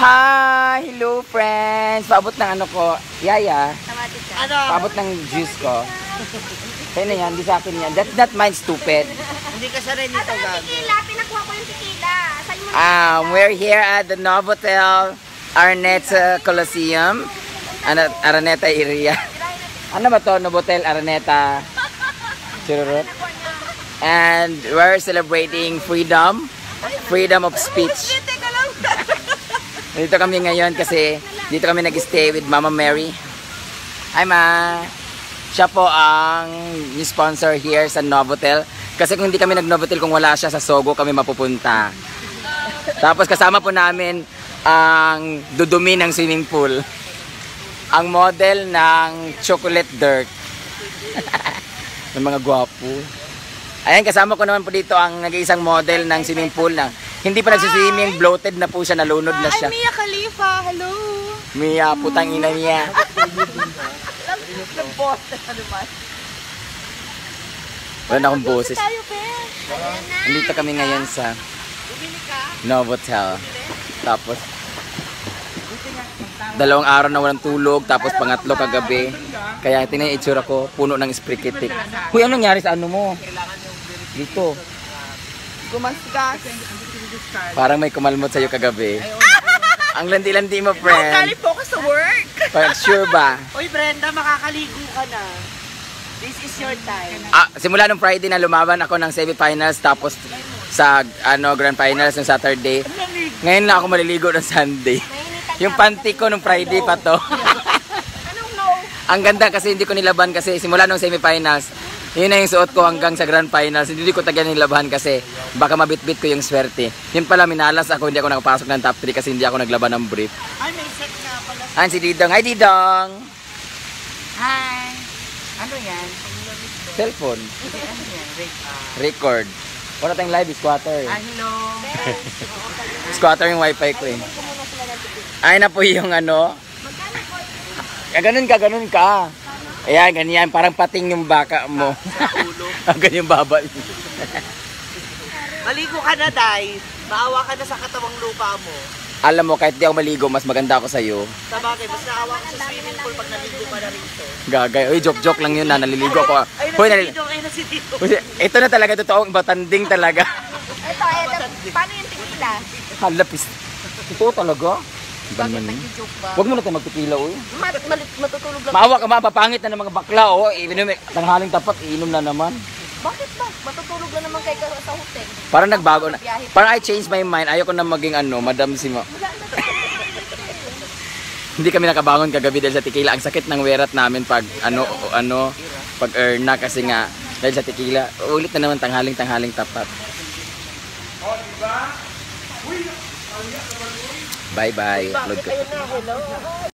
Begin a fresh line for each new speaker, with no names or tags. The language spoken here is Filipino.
Hi! Hello friends! Paabot ng ano ko, Yaya.
Ano?
Paabot ng juice ko. Sa'yo na yan, di sa akin yan. That's not mine, stupid.
Hindi ka sa rin ito gago.
Tequila, pinakuha ko yung tequila. Sa'yo mo na.
We're here at the Novotel Araneta Coliseum. Araneta area. Ano ba to? Novotel Araneta. Chururut. And we're celebrating freedom. Freedom of speech. Dito kami ngayon kasi dito kami nag-stay with Mama Mary. Hi Ma! Siya po ang sponsor here sa Novotel. Kasi kung hindi kami nag-Novotel, kung wala siya sa Sogo kami mapupunta. Tapos kasama po namin ang dudumi ng swimming pool. Ang model ng chocolate dirt. Ng mga gwapo. Ayan, kasama ko naman po dito ang nag-iisang model ng swimming pool na hindi pa nagsiswimming, bloated na po siya, nalunod na siya.
Mia Khalifa, hello!
Mia, putang ina niya. Wala na akong boses. Nandito kami ngayon sa Novotel. Tapos, 2 araw na walang tulog, tapos pangatlo kagabi. Kaya tingnan yung itsura ko, puno ng sprikitik. Huy, anong nangyari sa ano mo? Dito.
Gumasgas.
Parang may kumalmot sa'yo kagabi. Ang landi-landi mo, friend.
Galing po ka sa work.
Sure ba?
Uy Brenda, makakaligo ka na. This is your time.
Simula nung Friday na lumaban ako ng semi-finals, tapos sa Grand Finals ng Saturday. Ngayon na ako maliligo ng Sunday. Yung panty ko nung Friday pa to. Ang ganda kasi hindi ko nilaban kasi simula nung semi-finals. Yun na yung suot ko hanggang sa Grand Finals. Hindi ko tagyan nilaban kasi baka mabit-bit ko yung swerte. Yun pala, minalas ako, hindi ako nakapasok ng top 3 kasi hindi ako naglaban ng brief.
Ay, may set nga pala.
Ayan si Didong. Hi Didong!
Hi! Ano yan?
Cellphone.
Ano yan?
Record. Wala tayong live, squatter.
Hello!
Squatter yung wifi ko eh. Ay na po yung ano. Ganun ka. Ayan, ganyan. Parang pating yung baka mo. Ganyan baba.
Maligo ka na, Day. Maawa ka na sa katawang lupa mo.
Alam mo, kahit di ako maligo, mas maganda ako sa'yo.
Sa bagay, mas naawa ka sa swimming pool pag naligo ka na rito.
Gagay. Uy, joke lang yun na. Naliligo ako.
Ay, nasi dito.
Ito na talaga, totoong batanding talaga.
Ito. Paano yung tequila?
Halapis. Ito talaga.
Bakit nag-joke ba?
Huwag mo na tayo magpipila, uy.
Matutulog lang.
Maawa ka, mapapangit na ng mga bakla, oh. Tanghaling tapat, iinom na naman.
Bakit ba? Matutulog lang naman kayo sa hotel.
Parang nagbago na. Parang I changed my mind. Ayoko na maging Madam Sima. Hindi kami nakabangon kagabi dahil sa tequila. Ang sakit ng werat namin pag pag na kasi nga dahil sa tequila. Ulit na naman tanghaling tapat. Bye-bye. Upload ko.